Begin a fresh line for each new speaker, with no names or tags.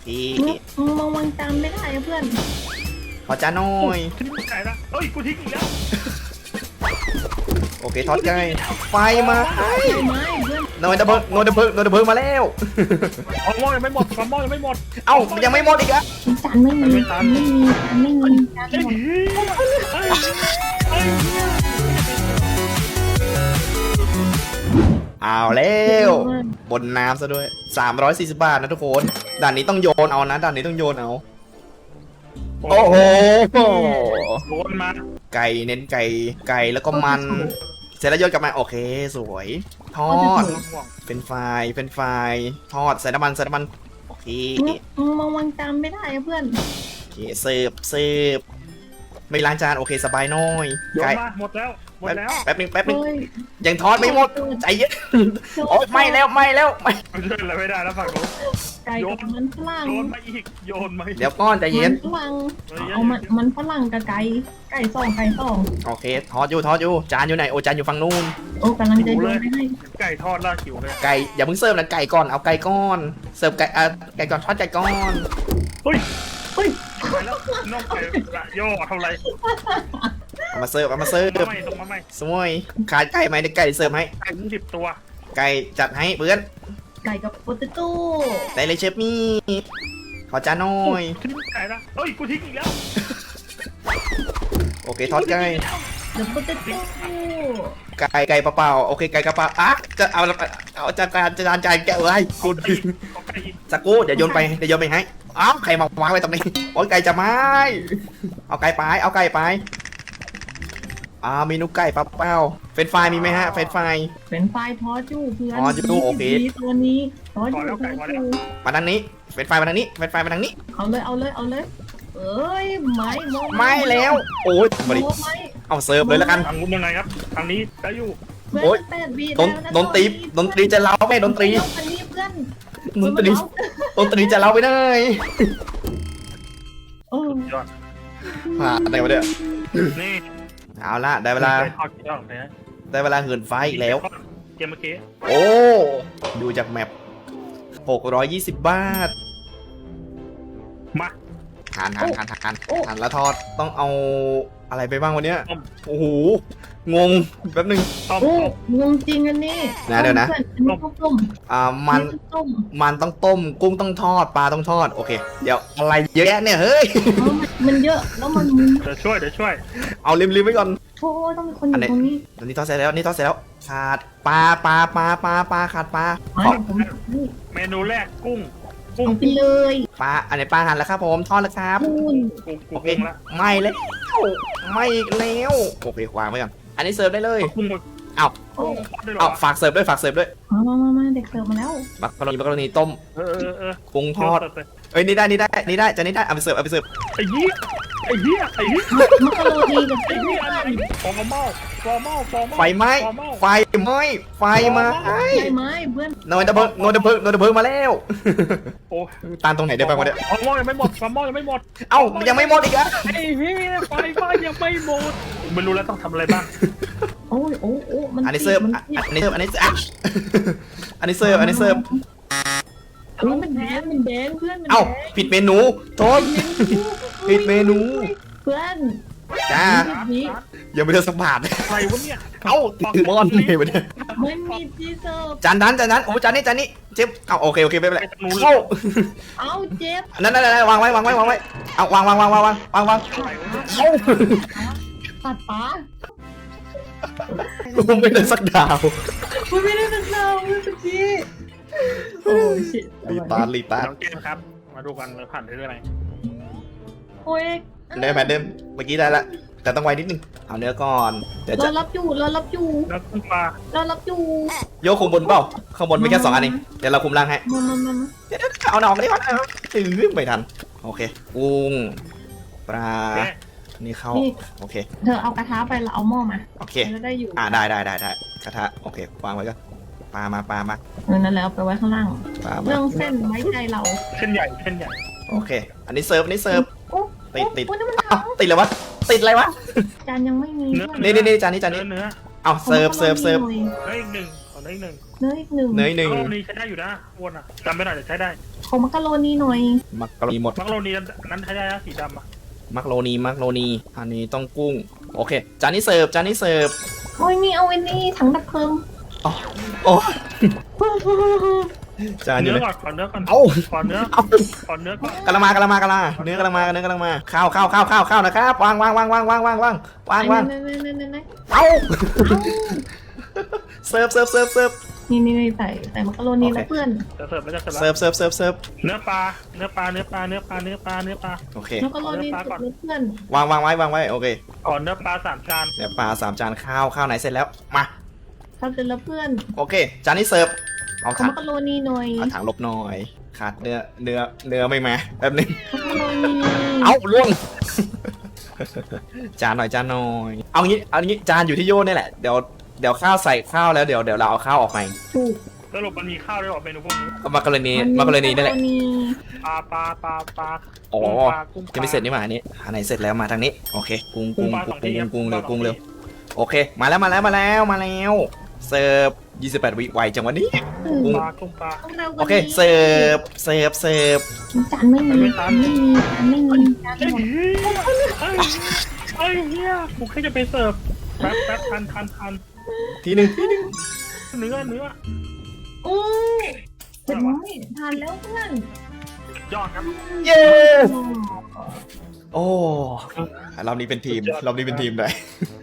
พี่
มองวางจานไม่ได้อะเพื่อน
ขอจานหน่อย
ทิ้งไก่ละเอ้ยกูทิ้งอีกแล้ว
โอเคทอดไก่ไฟมา
ใช่ไหมเพื่อน
หน่วยดับเพลิงหน่วยดับเพลิงหน่วยดับเพลิงมาแล้ว
ของหม้อยังไม่หมดของหม้อยังไม่หมด
เอ้ายังไม่หมดอีกอะ
จานไม่มีจานไม่มีจานไม่มีจาน
เฮ้ย
หมด
เอาแล้วบนน้ำซะด้วย340 บาทนะทุกคนด่านนี้ต้องโยนเอานะด่านนี้ต้องโยนเอาโอ้โห
โดนมา
ไก่เน้นไก่แล้วก็มันเสร็จแล้วโยนกลับมาโอเคสวยทอดเป็นไฟทอดใส่น้ำมันโอเค
มองวางจานไม่ได้อะเพื่อน
โอเคเสิร์ฟไม่ล้างจานโอเคสบายน้อย
โยน
ไก่
มาหมดแล้วหมดแล้ว
แป๊บนึง
เฮ้ย
ยังทอดไม่หมดใจเย็นโอ้ยไม่แล้วไม่
เดินอะไรไม่ได้แล้วฝั่งโน้น
ไก่กับมันฝรั่ง
โยนมาอีกโยนมาอีก
เดี๋ยวก้อนใจเย็น
ฝรั่งเอามันฝรั่งกับไก่สอง
โอเคทอดอยู่จานอยู่ไหนโอจานอยู่ฝั่งนู้น
โอ้กำลังจะโยนไปให้
ไก่ทอดล่าขิวเลย
ไก่อย่าเพิ่งเสิร์ฟนะไก่ก่อนเอาไก่ก้อนเสิร์ฟไก่ก่อนทอดไก่ก้อน
เฮ้ย
เฮ้ย
ไปแล้วน้องไก่ละโย่เท่าไร
เอามาเสิร์ฟ
ตรงมาไม่
สวยขาดไก่ไหมเดี๋ยวไก่เสิร์ฟให้
ไก่ถึง10 ตัว
ไก่จัดให้เพื่อน
ไก่กับโปเตโต้
ได้เลยเชฟมี่ขอจานหน่อย
ทิ้งไก่ละเอ้ยกูทิ้งอีกแล้ว
โอเคทอดไก่
เดี๋ยวโปเตโต้
ไก่เปล่าๆโอเคไก่กระเป๋าอ่ะจะเอาจานแกะเลยกู
เอาไก่อีก
สักกูเดี๋ยวโยนไปให้อ้าวใครมาวางไว้ตรงนี้โอ้ยไก่จะไม่เอาไก่ไปเมนูไก่เปล่าเฟรนช์ฟรายมีไหมฮะเฟรนช์ฟราย
เป็นไฟทอดอยู่เพื่อน
ทอดอยู่โอเค
ตัวนี้ทอดอยู่
มาทางนี้เฟรนช์ฟรายมาทางนี้
เอาเลยเอ้ย
ไม่แล้วโอ้ยมาดิเอาเสิร์ฟเลยแล้วกัน
ทางนู้นยังไงครับทางนี้ได้อยู่
โอ๊ย ดนตรีจะเล้าไหมดนตรี
อันนี้เพื่อน
ดนตรีจะเล้าไปเลย
เออย
อด
ผ่านอะไรวะเนี่ย
นี่
เอาละได้เวลา
ทอดยอดเลยนะ
เหินไฟอีกแล้ว
เกมเมื่อกี้
โอ้ดูจากแมป620 บาท
มา
หันแล้วทอดต้องเอาอะไรไปบ้างวันเนี้ยโอ้โหงงแป๊บนึง
ต้ม
โอ้งงจริงอันนี้
นะเดี๋ยวนะ
อันนี้ต้ม
มันต้องต้มกุ้งต้องทอดปลาต้องทอดโอเคเดี๋ยวอะไรเยอะแยะเนี่ยเฮ้ย
มันเยอะแล้วมัน
เดี๋ยวช่วย
เอาริมไว้ก่อน
โอ้ต้องมีคนอยู่ตรงนี้
อันนี้ทอดเสร็จแล้วขาดปลาขาดปลา
ผม
เมนูแรกกุ้ง
เอาไปเลย
ปลาอันไหนปลาหั่นแล้วครับผมทอดแล้วครับ
คุณ
โอเค
กุ้งละ
ไม่แล้วไม่อีกแล้วโอเควางไว้ก่อนอันนี้เสิร์ฟได้เลย
กุ้ง
เอา
โอ้
เอาฝากเสิร์ฟด้วย
มาเด็กเสิร์ฟมาแล้ว
มักกรณีต้ม
เออ
กุ้งทอดเอ้ยนี่ได้จะนี่ได้เอาไปเสิร์ฟ
ไอ้เหี้ย
มักกะโรนีกับ
ไอ้
ไส้
เหี้ย
กัน
ฟองเมา
ไฟไหม้ไฟมา
ใช่ไหมเพื่อน
หน่วยดับเพลิงมาแล้ว
โอ้
ตานตรงไหนได้บ้างวะเนี่ย
ของหม้อยังไม่หมดของหม้อยังไม่หมด
เอ้ายังไม่หมดอีกอะ
ไอ้เหี้ยไฟบ้านยังไม่หมดไม่รู้แล้วต้องทำอะไรบ้าง
โอ้มัน
อันนี้เสิร์ฟเพื่อน
มันแดงเพื่อน
เอ้าผิดเมนูโทษผิดเมนู
เพื่อน
จ้ายังไม่ได้สักบาท
อะไรวะเนี่ย
เอ้าถือมอนเลยวะเนี่ย
ไม่มีที่เสิร์ฟ
จานนั้นโอ้จานนี้เจ็บเอาโอเคไม่เป็นไรเข้า
เอาเจ็บ
นั่นวางไว้เอาวางเข้า
ตัดป้า
กูไม่ได้สักดาว
มันไม่ได้เป็นเราเมื่อกี้โอ้ยชิ
รีตาร์
น้องเกมครับ มาดูกันเลยผ่านได้ด้วยไหม
โอ้ย
ได้ไหมเดิมเมื่อกี้ได้ละแต่ต้องไวนิดนึงเอาเนื้อก่อนเดี๋ยว
เรา
จะ
รับอยู่
แล้วกุ้งปลา
โยกคุมบนเปล่าข้างบนมีแค่2 อันเองเดี๋ยวเราคุมล่างให้
มา
เดี๋ยวเอาหน่อมาดิวะไม่ทันโอเคกุ้งปลานี่เข้าโอเค
เธอเอากระทะไปแล้วเอาหม้อมา
โอเค
แล้วได้อยู่
ได้กระทะโอเควางไว้ก็ปลามา
นั่นแล้วไปไว้ข้างล่าง
ปลา
เรื่องเส้นไว้ใจเรา
เส้นใหญ่
โอเคอันนี้เสิร์ฟ
โอ้
ติด
นี่มัน
อ้าวติดเลยวะติดอะไรวะ
จานยังไม่มี
นี่จานนี้
เนื้อ
เอาเสิร์ฟ
ได้อีกหนึ่งขอได้อีกหนึ่ง
เนยอีกหนึ่ง
เนยหนึ่ง
มักโรนีใช้ได้อยู่นะวนอ่ะจำไม่ได้แต่ใช้ได้
ขอมักกะโรนีหน่อย
มักกะโรนีหมด
มักโรนีนั้นใช้ได้นะสีดำอ่ะ
มักโรนีมักโรนีอันนี้ต้องกุ้งโอเคจานนี้เสิร์ฟจานนี้เสิร์ฟ
โอ้ยนี่เอาไว้นี่ถังดับเพลิง
โอ้จานอยู่
เนื้
เล
อย ก่อนขอเนื้อก่อน
เอา
ขอเนื้อ
เอา
ขอเนื้อก่อน
กะละมากะละมากะละเนื้อกะละมาเนื้อกะละมาข้าวนะครับวางเอาเสิร์ฟ
นี่ใส่มักกะโรนีแล้วเพื่อน
จะเสิร์ฟแล้วจะเสิร์ฟ
เสิร์ฟ
เนื้อปลา
โอเค
มักกะโรนีสุดเลยเพื่อน
วางไว้โอเค
ขอเนื้อปลา3 จาน
เดี๋ยวปลา3 จานข้าวไหนเสร็จแล้วมา
ทำเสร็จแล้วเพื่อน
โอเคจานนี้เสิร์ฟเอา
ขอ
ถัง
มักกะโรนีหน่อย
เอาถังลบหน่อยขาดเนื้อไม่มาแป๊บนึง
มักกะโรนี
เอาล่วง จานหน่อยเอางี้จานอยู่ที่โยนนี่แหละเดี๋ยวข้าวใส่ข้าวแล้วเดี๋ยวเราเอาข้าวออกไป
ถูก
สรุปมันมีข้าวด้วยหรอเมนูพวกนี้
ก็มักกะโรนีนั่นแหละ
ปลา
อ๋อ
กุ้ง
ยังไม่เสร็จนี่หว่าอันนี้อันไหนเสร็จแล้วมาทางนี้โอเคกุ้งเร็วโอเคมาแล้วเสิร์ฟ28 วิไวจังวันนี้
กุ้งปลา
โอเคเสิร์ฟ
จานไม่มีจานหมด
ไอ้เหี้ยกูแค่จะไปเสิร์ฟแป๊บทัน
ทีหนึ่ง
เนื้อ
โอ้เห็นไหมทานแล้วเพื่อน
ยอดครับ
เย้โอ้รอบนี้เป็นทีมเลย